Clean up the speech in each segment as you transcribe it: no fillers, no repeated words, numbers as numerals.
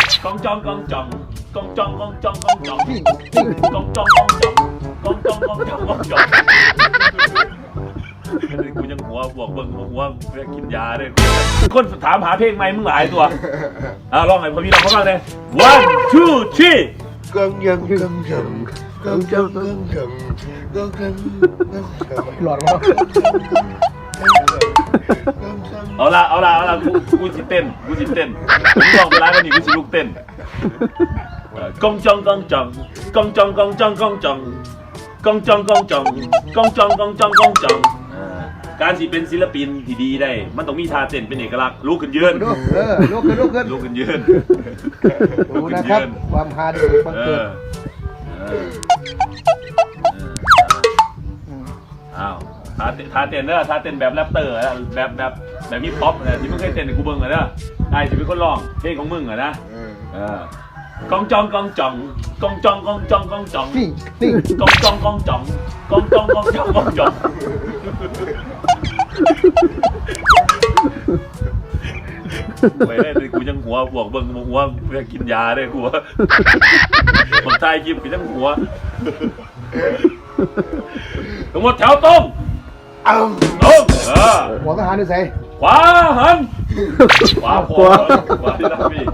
กองจองกองจองกองจองกองจองกองจองกองจองกองจองกองจองกองจองกองจองกูยังหัวบวกเบิ่งหัวเพื่อกินยาด้วยคนถามหาเพลงใหม่มึงหลายตัวลองหน่อยพอพี่ลองเขาบ้างเลย one two three กองยังกองยังกองยังกองยังกองยังหลอดวะเอาละกูสิเต้นกูลองไปร้านกันนี่กูสิลุกเต้นกองจองกองจองกองจองกองจองกองจองกองจองกองจองกองจองกองจองกองจองการสิเป็นศิลปินที่ดีได้มันต้องมีท่าเต้นเป็นเอกลักษณ์ลุกขึ้นยืนลุกขึ้นยืนดูนะครับความฮาดีบังเกิดอ้าวท่าเต้นเนอะท่าเต้นแบบแรปเตอร์แบบฮิปฮอปนะที่มึงเคยเต้นในกูเบิ้งอะเนอะไอ้ที่เป็นคนร้องเพลงของมึงอะนะกองจองกองจองกองจองกองจองกองจองกองจองกองจองกองจองกองจองกองจองไปได้เลยกูยังหัวบวกเบิ้งหัวเพื่อกินยาได้หัวผมทายกินกูยังหัวทั้งหมดแถวตรงหัวทหารนี่ใส่ขวาหันขวาที่นั่งพี่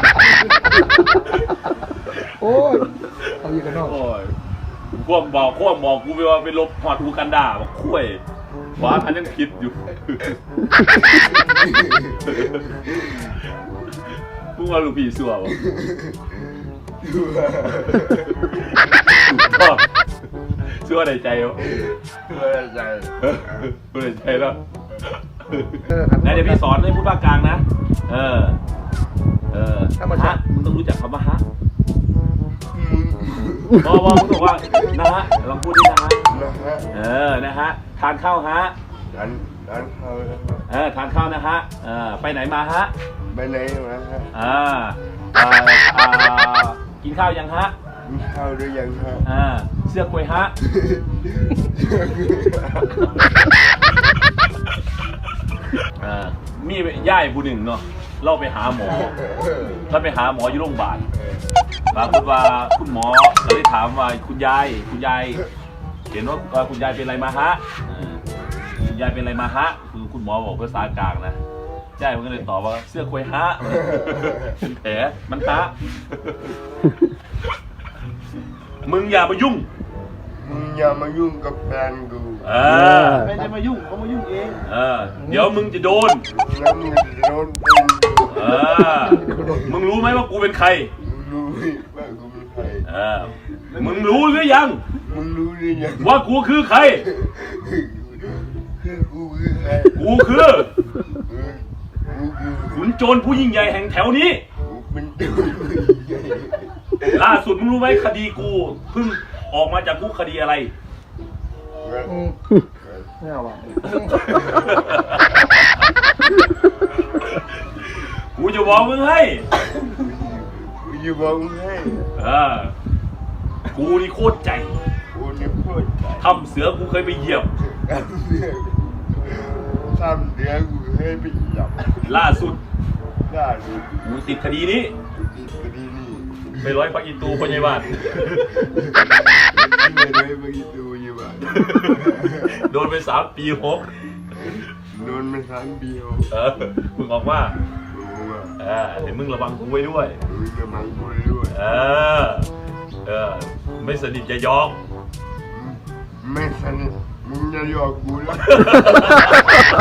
โอ้ยเอาอีกกันเนาะโอ้ยควบบอกกูไปว่าไปลบหอดอูกันดาบอกคุ้ยขวาหันยังคิดอยู่มึงว่าลูกพี่สัวบ่สัวในใจวะสัวในใจแล้วไหนเดี๋ยวพี่สอนให้พูดภาคกลางนะฮะมึงต้องรู้จักคำว่าฮะบอกมึงบอกว่านะฮะลองพูดดินะฮะนะฮะทานข้าวฮะทานข้าวทานข้าวนะฮะไปไหนมาฮะไปไหนมาฮะกินข้าวยังฮะกินข้าวหรือยังฮะเสื้อกล้วยฮะมีย่ายผู้หนึ่งเนาะเราไปหาหมออยู่โรงพยาบาลปรากฏว่าคุณหมอเราได้ถามว่าคุณยายเห็นว่าคุณยายเป็นอะไรมาฮะคุณยายเป็นอะไรมาฮะคือคุณหมอบอกภาษากลางนะยายมันก็เลยตอบว่าเสื้อกล้วยฮะเป็นแผลมันฮะมึงอย่ามายุ่งกับแฟนกูไม่จะมายุ่งเขามายุ่งเองเดี๋ยวมึงจะโดนมึงรู้ไหมว่ากูเป็นใครรู้ว่ากูเป็นใครมึงรู้หรือยังว่ากูคือใครกูคือขุนโจรผู้ยิ่งใหญ่แห่งแถวนี้ล่าสุดมึงรู้ไหมคดีกูเพิ่งออกมาจากคุกคดีอะไรไม่เอาว่ะกูจะบอกมึงให้กูนี่โคตรใจทำเสือกูเคยไปเหยียบล่าสุดกูติดคดีนี้ไปร้อยปักอินตูพยาบาลโดนไป3 ปี 6 โดนไป3 ปี 6มึงออกว่าเดี๋ยวมึงระวังกูไว้ด้วยไม่สนิทจะยอกไม่สนิทมึงจะยอกกูแล้ว